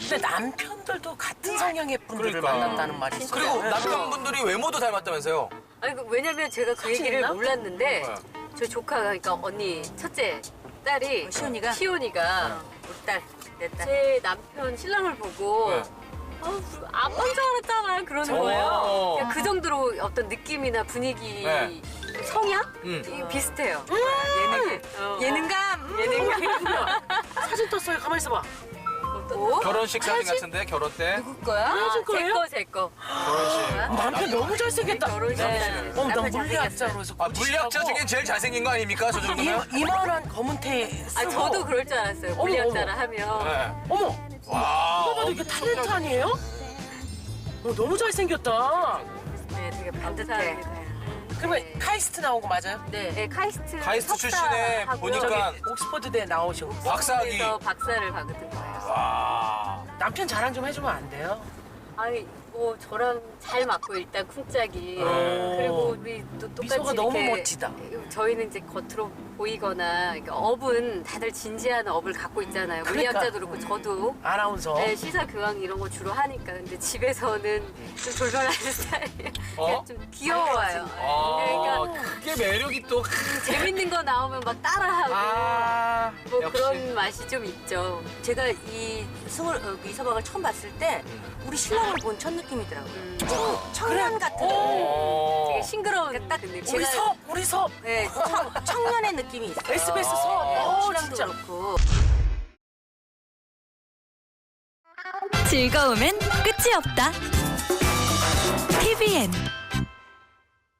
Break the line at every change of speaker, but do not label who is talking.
근데 남편들도 같은 성향의 분들을
그러니까.
만났다는 말이 있어요.
그리고
네.
남편분들이 외모도 닮았다면서요?
아니 왜냐면 제가 그 얘기를
있나?
몰랐는데 저희 조카가 그러니까 언니 첫째 딸이 시온이가 우리 딸 내 딸. 제 남편 신랑을 보고
네.
아빠인 줄 알았잖아 그러는
어.
거예요. 그러니까 그 정도로 어떤 느낌이나 분위기,
네.
성향 이게 비슷해요. 예능감.
사진 떴어요. 가만히 있어봐.
또
결혼식 사진 같은데 결혼 때
거야?
헤어진 거예요?
제 거.
결혼식.
남편 너무 잘생겼다.
결혼식.
나
남편
물리학자로 해서
아 물리학자 중에 제일 잘생긴 거 아닙니까 저 정도면?
이만한 검은 테 쓰고.
아 저도 그럴 줄 알았어요.
어머,
물리학자라
어머.
하면.
네.
어머,
와.
누가 봐도 이게 탤런트 아니에요? 너무 잘생겼다.
네, 되게 반듯해.
그러면
네.
카이스트 나온 거 맞아요?
네, 카이스트.
카이스트 출신에
석사하고요.
보니까
옥스퍼드대 나오시고.
박사학위.
그래서 박사를 받은 거예요.
와.
남편 자랑 좀 해주면 안 돼요?
아니 뭐 저랑 잘 맞고 일단 쿵짝이
오.
그리고 우리 또 똑같이
미소가 너무
이렇게
멋지다.
저희는 이제 겉으로 보이거나 그러니까 업은 다들 진지한 업을 갖고 있잖아요.
그러니까.
물리학자도 그렇고 저도
아나운서.
네, 시사 교양 이런 거 주로 하니까 근데 집에서는 좀 돌변하는 스타일이에요.
어?
좀 귀여워요.
아,
그러니까
그게 매력이 또.
재밌는 거 나오면 막 따라하고
아,
뭐
역시.
그런 맛이 좀 있죠.
제가 이 서방을 처음 봤을 때 우리 신랑을 본 첫 느낌이더라고요. 청년 같은
되게
어.
싱그러운 딱 그 느낌.
우리 섭.
네, 청년의 느낌이 있어요.
SBS 섭.
신랑도
진짜.
그렇고.
즐거움엔 끝이 없다. TVN